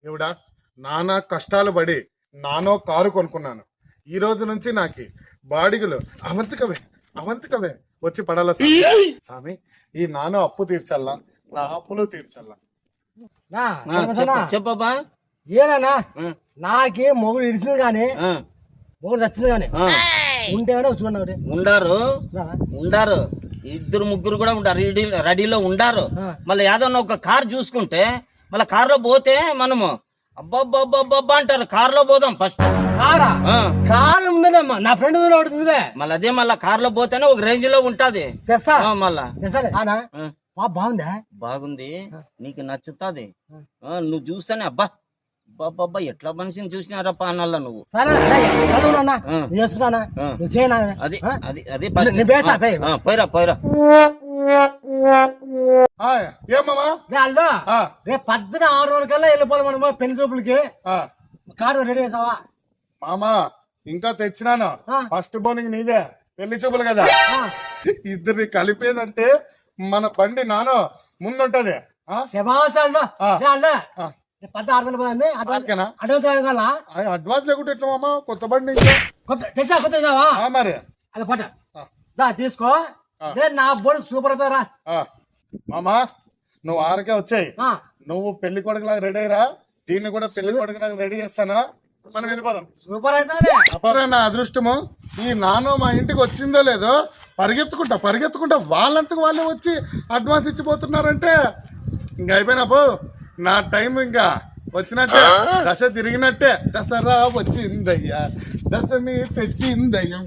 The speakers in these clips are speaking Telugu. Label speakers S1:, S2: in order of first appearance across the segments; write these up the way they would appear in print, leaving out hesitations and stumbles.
S1: ఇవిడా నానా కష్టాలు పడి నానో కారు కొనుక్కున్నాను. ఈ రోజు నుంచి నాకు బాడిగలు అవంతికవే వచ్చి పడాల స్వామి. ఈ నానో అప్పు తీర్చల్లా, నా అప్పులు తీర్చల్లా.
S2: చెప్పబ్బా.
S3: ఏనా నాకే మొగుడు ఇడిచింది కానీ మొగుడు చచ్చింది కానీ ఉంటేనే చూడండి.
S2: ఉండారు ఇద్దరు ముగ్గురు కూడా ఉంటారు, రెడీలో ఉండారు. మళ్ళీ ఏదన్నా ఒక కార్ చూసుకుంటే మళ్ళీ కార్ లో పోతే మనము అబ్బాబ్బాబ్బా అంటారు. కార్ లో పోదాం ఫస్ట్.
S3: కారు ఉందమ్మా, నా ఫ్రెండ్ అవుతుంది.
S2: మళ్ళీ అదే మళ్ళీ కార్ లో పోతేనే ఒక రేంజ్ లో ఉంటది. మళ్ళా
S3: బాగుందా?
S2: బాగుంది, నీకు నచ్చుతాది. నువ్వు చూస్తానే అబ్బా బాబా ఎట్లా మనిషిని చూసినారప్ప అన్నల్లా నువ్వు. అది అది అది పోయిరా పోయిరా.
S3: రేపు 6 కల్లా వెళ్ళిపోవాలి మనం పెళ్లి చూపులకి. కారు రెడీ చేసావా?
S1: మామా ఇంకా తెచ్చినాను. ఫస్ట్ బోనింగ్ నీదే, పెళ్లి చూపులు కదా. ఇద్దరిని కలిపేదంటే మన బండి నానో ముందుంటది. అడ్వాన్స్ లేకుంటే ఎట్లా మామా? కొత్త బండి
S3: మరి అది పట్ట తీసుకో. నా బోర్డు సూపర్ అవుతారా
S1: మామా. నువ్వు 6కే వచ్చాయి. నువ్వు పెళ్లి కొడుకులాగా రెడీ అయ్యరా, దీన్ని కూడా పెళ్లి కొడుకులాగా రెడీ చేస్తానా? మనం వెళ్ళిపోదాం.
S3: సూపర్ అవుతుంది.
S1: అపరే నా అదృష్టము. ఈ నానో మా ఇంటికి వచ్చిందో లేదో పరిగెత్తుకుంటా వాళ్ళంతకు వాళ్ళే వచ్చి అడ్వాన్స్ ఇచ్చిపోతున్నారంటే ఇంక అయిపోయినాపు నా టైం ఇంకా వచ్చినట్టే. దశ తిరిగినట్టే. దసరా వచ్చిందయ్యా, దశని తెచ్చిందయ్యా.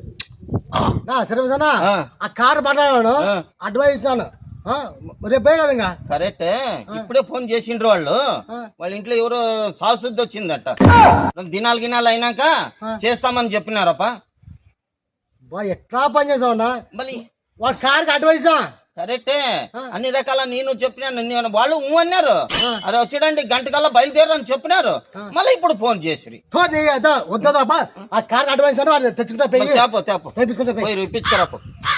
S3: ఆ కారు మాట్లాడాను, అడ్వాన్స్ ఇచ్చాను. రేపే కదా ఇంకా
S2: కరెక్టే. ఇప్పుడే ఫోన్ చేసిండ్రు వాళ్ళు. వాళ్ళ ఇంట్లో ఎవరో సాసుద్ది వచ్చిందట. దినాలు అయినాక చేస్తామని చెప్పినారప్ప.
S3: ఎట్లా పని చేసావున్నా?
S2: మళ్ళీ
S3: వాళ్ళ కారుకి అడ్వాన్స్
S2: కరెక్టే. అన్ని రకాల నేను చెప్పినాను, వాళ్ళు అన్నారు. అరే వచ్చాడండి గంట కల్లా బయలుదేరని చెప్పినారు. మళ్ళీ ఇప్పుడు ఫోన్ చేసి
S3: వద్దా ఆ కార్ అడ్వాన్స్
S2: తెచ్చుకుంటా ఇప్పించుకోరాపు.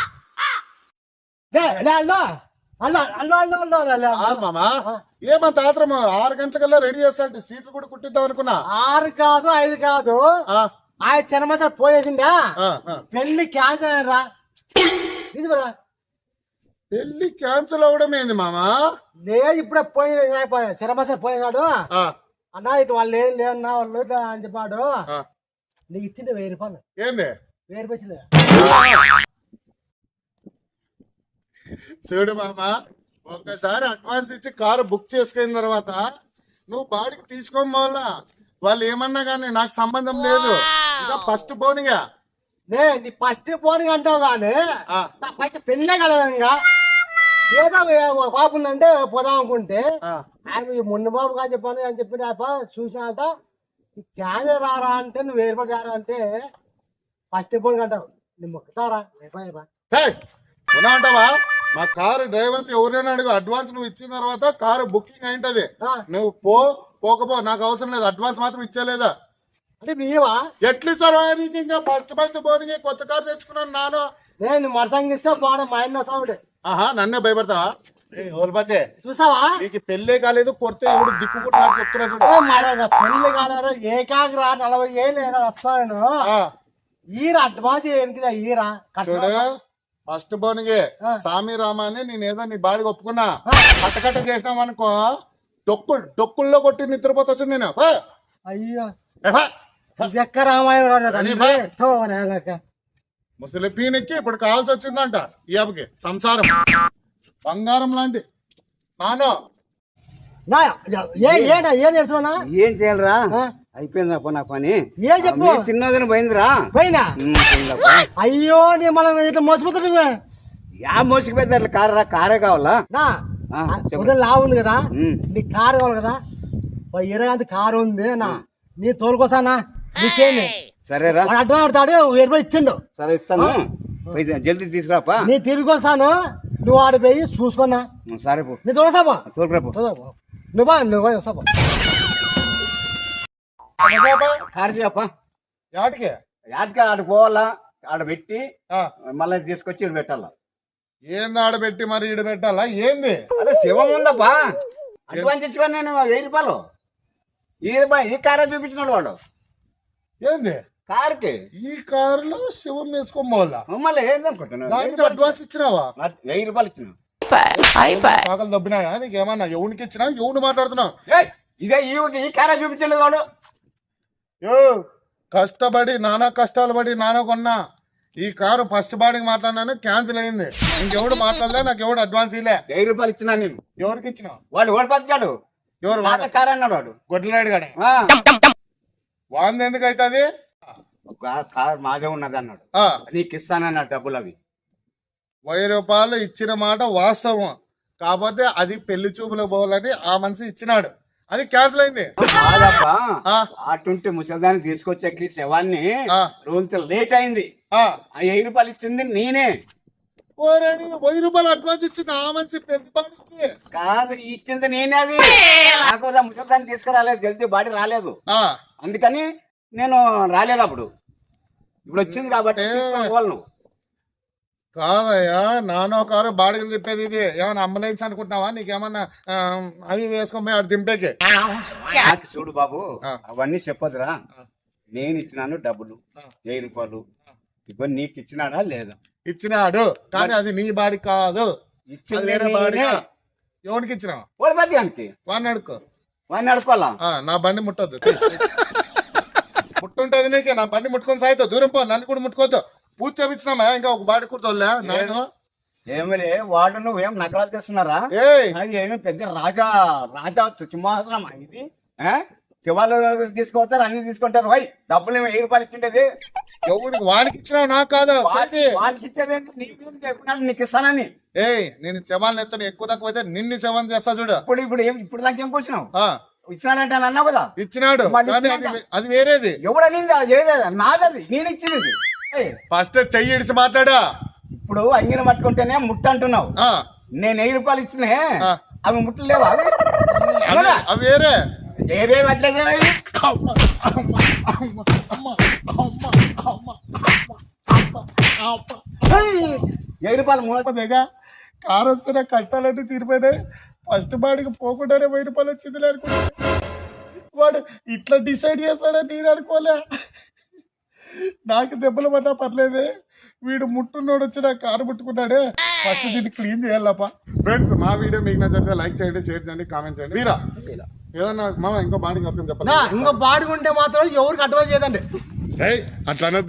S1: మామా ఏమంత ఆత్రమా? 6 గంటలకల్లా రెడీ చేస్తా, సీట్లు కూడా కుట్టిద్దాం అనుకున్నా.
S3: 6 కాదు 5 కాదు, ఆ సినిమా సార్ పోయేసిందా? పెళ్లి క్యాన్సల్ రా.
S1: పెళ్లి క్యాన్సిల్ అవడం ఏంది మామా?
S3: లేదు ఇప్పుడే పోయి సినిమా సార్ పోయినాడు అన్నా. ఇటు వాళ్ళు ఏం లేదన్నా వాళ్ళు అని చెప్పాడు. నీకు ఇచ్చింది 1000 రూపాయలు.
S1: ఏంది
S3: 1000 రూపాయలు?
S1: చూడు మామా, ఒక్కసారి అడ్వాన్స్ ఇచ్చి కారు బుక్ చేసుకున్న తర్వాత నువ్వు బాడికి తీసుకోవాలా. వాళ్ళు ఏమన్నా కానీ నాకు సంబంధం లేదు. ఇంకా ఫస్ట్ పోనిగా
S3: నీ ఫస్ట్ పోనీ అంటావు కానీ ఫస్ట్ పెళ్ళే కలదంగా. ఏదో బాబు ఉందంటే పోదాం అనుకుంటే ఆయన మొన్న బాబు కానీ చెప్పాను అని చెప్పి చూసినాట. క్యాన్సర్ రారా అంటే నువ్వు 1000 రూపాయలు రారా అంటే ఫస్ట్ పోనీ అంటావు. నువ్వు మొక్కుతారా?
S1: అంటావా? మా కారు డ్రైవర్ ఎవరైనా అడుగు, అడ్వాన్స్ నువ్వు ఇచ్చిన తర్వాత కారు బుకింగ్ అయింటది. నువ్వు పోకపో, నాకు అవసరం లేదు. అడ్వాన్స్ మాత్రం ఇచ్చేలేదా
S3: అంటే నీవా?
S1: ఎట్లిస్తారు? ఇంకా ఫస్ట్ పోనీ కొత్త కారు తెచ్చుకున్నాను నాను.
S3: నేను మరసంగా ఇస్తా బాగా మా ఆయన సాగుడు.
S1: నన్నే భయపడతావా?
S3: చూసావా?
S1: నీకు పెళ్లే కాలేదు, కొడితే ఎవడు దిక్కుకుంటున్నాడు చెప్తున్నా చూడు.
S3: పెళ్లి కాలేదు, ఏకాగ్ర 40 ఏళ్ళు వస్తాను. ఈర అడ్వాన్స్ ఏంటిదా? ఈరా
S1: చూడు, ఫస్ట్ బోనిగే సామి రామా అని నేనేదో నీ బాడికి ఒప్పుకున్నా. కట్టకట్ట చేసినాం అనుకో, డొక్కుల్లో కొట్టి నిద్రపోతా నేను.
S3: అయ్యో ఎక్క రామాయణ
S1: ముసలి పీనెక్కి ఇప్పుడు కావాల్సి వచ్చిందంట ఈ అబ్బకి. సంసారం బంగారం లాంటి నానో.
S3: ఏం చేయాలరా?
S4: అయిపోయిందా నా పని?
S3: ఏ చెప్పు.
S4: చిన్నదని పోయిందిరా.
S3: పోయినా? అయ్యో నీ మనం ఇట్లా మోసపోతా.
S4: యా మోసుకు పెద్ద కారా? కారే కావాలా?
S3: లా ఉంది కదా, నీ కారు కావాలి కదా. 20 కారు ఉంది నా, నీ తోలుకోసానా? నీకేమి
S4: సరేరా?
S3: అడ్వాన్స్ ఆడతాడు, 1000 రూపాయలు ఇచ్చిండు.
S4: సరే ఇస్తాను, జల్దీ తీసుకురాపా.
S3: నీ తిరిగి వస్తాను, నువ్వు ఆడిపోయి చూసుకున్నా.
S4: సరే
S3: నీ తోలుసాపా.
S4: తోలుకురాపో.
S3: నువ్వు వస్తాపా.
S4: కారు చెప్పా.
S1: యాటికి
S4: ఆడికి పోవాలా? ఆడ పెట్టి మళ్ళీ తీసుకొచ్చి ఇటు పెట్టాలా.
S1: ఏంది ఆడబెట్టి మరి ఈడ పెట్టాలా? ఏంది
S4: అదే శివం ఉందప్పా. అడ్వాన్స్ ఇచ్చుకోని నేను 1000 రూపాయలు. ఈ కారే చూపించినాడు వాడు
S1: ఏంది
S4: కార్కి.
S1: ఈ కారులో శివం వేసుకొని పోవాలా?
S4: మళ్ళీ ఏందనుకుంటున్నావు?
S1: దానికి అడ్వాన్స్ ఇచ్చినావా?
S4: 1000 రూపాయలు ఇచ్చిన.
S1: పాకలు దబ్బినాయా నీకేమన్నా? ఎవరికి ఇచ్చినా? ఎవడు మాట్లాడుతున్నావు?
S4: ఇదే ఈ కారే చూపించలేదు వాడు.
S1: యో కష్టపడి నానా కష్టాలు పడి నానా కొన్నా ఈ కారు ఫస్ట్ బాడీకి మాట్లాడినాను, క్యాన్సిల్ అయింది. ఇంకెవడు మాట్లాడలే, నాకు ఎవడు అడ్వాన్స్ ఇలే.
S4: 1000 రూపాయలు ఇచ్చినా నేను.
S1: ఎవరికి ఇచ్చినావు?
S4: వాడు ఓడిపోతాడు.
S1: ఎవరు?
S4: పాత కారు అన్నాడు వాడు.
S1: గొడ్లరాడు గడ వాంది ఎందుకు అవుతుంది?
S4: కారు మాదే ఉన్నది అన్నాడు. నీకు ఇస్తానన్నాడు డబ్బులు. అవి
S1: 1000 రూపాయలు ఇచ్చిన మాట వాస్తవం, కాకపోతే అది పెళ్లి చూపులకు పోవాలని ఆ మనిషి ఇచ్చినాడు, అది క్యాన్సిల్ అయింది.
S4: అటుంటే ముసలిదాన్ని తీసుకొచ్చాకి శవాన్ని రోజు లేట్ అయింది. 1000 రూపాయలు ఇచ్చింది నేనే.
S1: 1000 రూపాయలు అడ్వాన్స్ ఇచ్చింది ఆ మనిషి పెళ్లి బాడీకి.
S4: కాదు ఇచ్చింది నేనే. అది నాకు ముసలిదాన్ని తీసుకురాలేదు, జల్దీ బాడీ రాలేదు. అందుకని నేను రాలేదు అప్పుడు. ఇప్పుడు వచ్చింది కాబట్టి తీసుకోవాలి నువ్వు.
S1: కాదయ్యా, నానో కారు బాడిగలు తిప్పేది ఇది. ఏమన్నా అంబులెన్స్ అనుకుంటున్నావా? నీకేమన్నా అవి వేసుకొని పోయి అటు దింపేకి?
S4: నాకు చూడు బాబు, అవన్నీ చెప్పదురా. నేను ఇచ్చినాను డబ్బులు 1000 రూపాయలు. ఇప్పుడు నీకు ఇచ్చినాడా లేదా?
S1: ఇచ్చినాడు, కానీ అది నీ బాడీ కాదు.
S4: ఇచ్చింది
S1: ఎవరికి ఇచ్చినావు?
S4: ఓడిపోతానికి
S1: వాడిని అడుక్కో.
S4: వాడిని అడుకోవాలా?
S1: నా బండి ముట్టొద్దు. ముట్టుంటది నీకే. నా బండి ముట్టుకొని సాయితో దూరం పో, నన్ను కూడా ముట్టుకోవద్దు. పూజ చేపించినామా? ఇంకా ఒక బాడీ కుర్తోలే నేను.
S4: ఏమిలే వాడు నువ్వేం నకరాలు చేస్తున్నారా? అది ఏమి పెద్ద రాజా సింహాసనం ఇది. శివాలు తీసుకొస్తారు, అన్ని తీసుకుంటారు. వై డబ్బులు 1000 రూపాయలు ఇచ్చిండేది
S1: ఎవరికి? వాడికి ఇచ్చినావు, నాకు కాదు.
S4: వాడికి ఇచ్చేది చెప్పినాడు నీకు ఇస్తానని.
S1: నేను శవాలను ఎత్తాను, ఎక్కువ తక్కువ అయితే నిన్ను శవం చేస్తా చూడు.
S4: ఇప్పుడు దాకా ఏం కూర్చున్నావు? ఇచ్చినానంటే అని అన్నావు కదా.
S1: ఇచ్చినాడు, అది వేరేది.
S4: ఎవడని నాదది, నేను ఇచ్చినది.
S1: ఫస్ట్ చెయ్యి ఇడిసి మాట్లాడా.
S4: ఇప్పుడు అంగిన పట్టుకుంటేనే ముట్ట అంటున్నావు. నేను 1000 రూపాయలు ఇచ్చినే, అవి ముట్టలు లేవా?
S1: అవి వేరే.
S4: ఏవేవి అట్లే 1000 రూపాయలు
S1: మూడగా కారు వస్తున్న కష్టాలన్నీ తీరిపోయినాయి. ఫస్ట్ బాడికి పోకుండానే 1000 రూపాయలు వచ్చింది అనుకుంటా. వాడు ఇట్లా డిసైడ్ చేస్తాడని నేను అనుకోలే. నాకు దెబ్బలు పడ్డా పర్లేదే, వీడు ముట్టున్నోడు వచ్చి నా కారు ముట్టుకున్నాడే. ఫస్ట్ దీన్ని క్లీన్ చేయాలప్ప. ఫ్రెండ్స్, మా వీడియో మీకు నచ్చితే లైక్ చేయండి, షేర్ చేయండి, కామెంట్ చేయండి. మీరా ఏదన్నా మామ ఇంకో బాడీ చెప్పండి.
S3: ఇంకో బాడీ ఉంటే మాత్రం ఎవరికి అడ్వైజ్ చేయదండి.
S1: అట్లా